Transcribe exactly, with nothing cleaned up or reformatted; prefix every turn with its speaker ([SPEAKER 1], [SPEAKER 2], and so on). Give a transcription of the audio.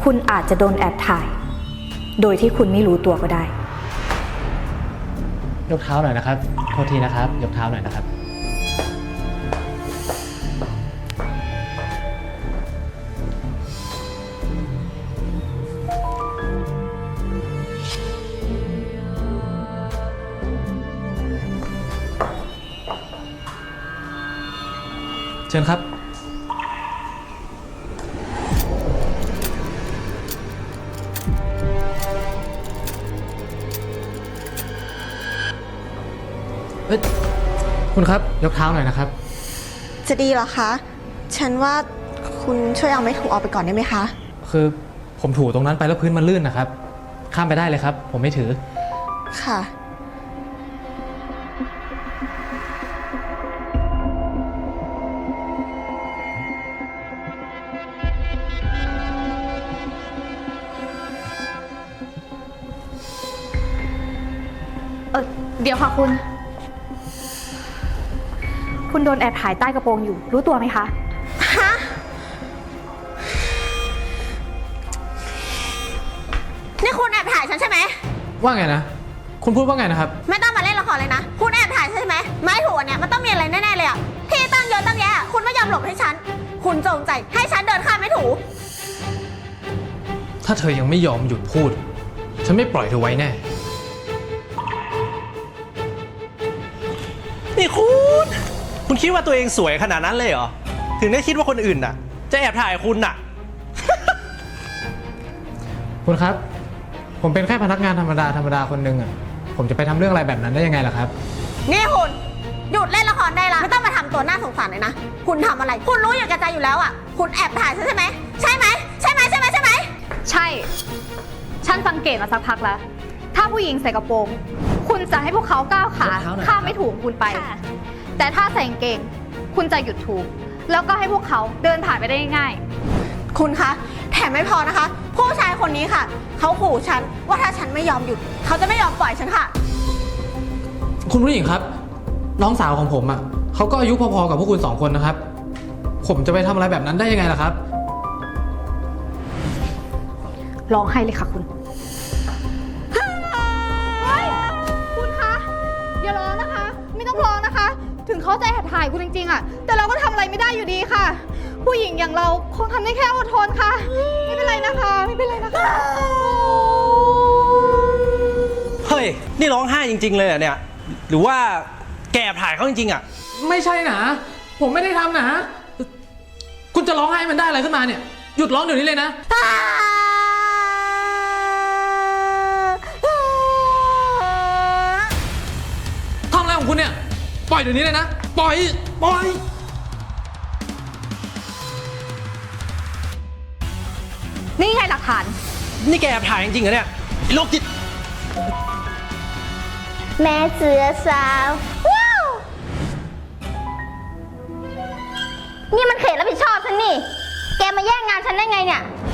[SPEAKER 1] คุณอาจจะโดนแอบถ่าย โดยที่คุณไม่รู้ตัวก็ได้
[SPEAKER 2] ยกเท้าหน่อยนะครับโทษทีนะครับยกเท้าหน่อยนะครับเชิญครับเอ้ยคุณครับยกเท้าหน่อยนะครับ
[SPEAKER 3] จะดีเหรอคะฉันว่าคุณช่วยเอาไม้ถูออกไปก่อนได้ไหมคะ
[SPEAKER 2] คือผมถูตรงนั้นไปแล้วพื้นมันลื่นนะครับข้ามไปได้เลยครับผมไม่ถือ
[SPEAKER 3] ค่ะ
[SPEAKER 1] เออเดี๋ยวค่ะคุณ คุณโดนแอบถ่ายใต้กระโปรงอยู่รู้ตัวไหมคะ
[SPEAKER 3] ฮะนี่คุณแอบถ่ายฉันใช่ไหม
[SPEAKER 2] ว่าไงนะคุณพูดว่าไงนะครับ
[SPEAKER 3] ไม่ต้องมาเล่นละครเลยนะคุณแอบถ่ายใช่ไหมไม้ถูอันเนี้ยมันต้องมีอะไรแน่ๆเลยอะที่ตั้งเยอะตั้งแยะคุณไม่ยอมหลบให้ฉันคุณจงใจให้ฉันเดินข้ามไม้ถู
[SPEAKER 2] ถ้าเธอยังไม่ยอมหยุดพูดฉันไม่ปล่อยเธอไว้แน่
[SPEAKER 4] นี่คุณคุณคิดว่าตัวเองสวยขนาดนั้นเลยเหรอถึงได้คิดว่าคนอื่นน่ะจะแอบถ่ายคุณน่ะ
[SPEAKER 2] คุณครับผมเป็นแค่พนักงานธรรมดาธรรมดาคนหนึ่งอ่ะผมจะไปทำเรื่องอะไรแบบนั้นได้ยังไงล่ะครับ
[SPEAKER 3] นี่คุณหยุดเล่นละครได้ละไม่ต้องมาทำตัวน่าสงสารเลยนะคุณทำอะไรคุณรู้อยู่แก่ใจอยู่แล้วอ่ะคุณแอบถ่ายใช่ไหมใช่ไหมใช่ไหมใช่ไหมใช่ไหม
[SPEAKER 1] ใช่ฉันสังเกตมาสักพักแล้วถ้าผู้หญิงใส่กระโปรงคุณจะให้พวกเขาก้าวขาข้ามไม่ถูกคุณไปแต่ถ้าใส่กางเกงคุณจะหยุดถูกแล้วก็ให้พวกเขาเดินผ่านไปได้ง่าย
[SPEAKER 3] ๆคุณคะแถมไม่พอนะคะผู้ชายคนนี้ค่ะเขาขู่ฉันว่าถ้าฉันไม่ยอมหยุดเขาจะไม่ยอมปล่อยฉันค่ะ
[SPEAKER 2] คุณผู้หญิงครับน้องสาวของผมอ่ะเขาก็อายุพอๆกับพวกคุณสองคนนะครับผมจะไปทำอะไรแบบนั้นได้ยังไงล่ะครับ
[SPEAKER 1] ร้องไห้เลยค่ะคุณ
[SPEAKER 5] คุณคะอย่าร้องนะคะไม่ต้องร้องนะคะถึงเขาจะแอบถ่ายคุณจริงๆอะแต่เราก็ทำอะไรไม่ได้อยู่ดีค่ะผู้หญิงอย่างเราคงทำได้แค่อดทนค่ะไม่เป็นไรนะคะไม่เป็นไรนะคะ
[SPEAKER 4] เฮ้ยนี่ร้องไห้จริงๆเลยอ่ะเนี่ยหรือว่าแกแอบถ่ายเขาจริงๆอ่ะ
[SPEAKER 2] ไม่ใช่นะผมไม่ได้ทำนะคุณจะร้องไห้มันได้อะไรขึ้นมาเนี่ยหยุดร้องเดี๋ยวนี้เลยนะทำอะไรของคุณเนี่ยปล่อยเดี๋ยวนี้เลยนะปล่อยปล่อย
[SPEAKER 1] นี่ไงหลักฐาน
[SPEAKER 4] นี่แกแอบถ่ายจริงๆเหรอเนี่ยโรคจิต
[SPEAKER 3] แม่เสือสาวว้าวนี่มันเขตรับผิดชอบฉันนี่แกมาแย่งงานฉันได้ไงเนี่ย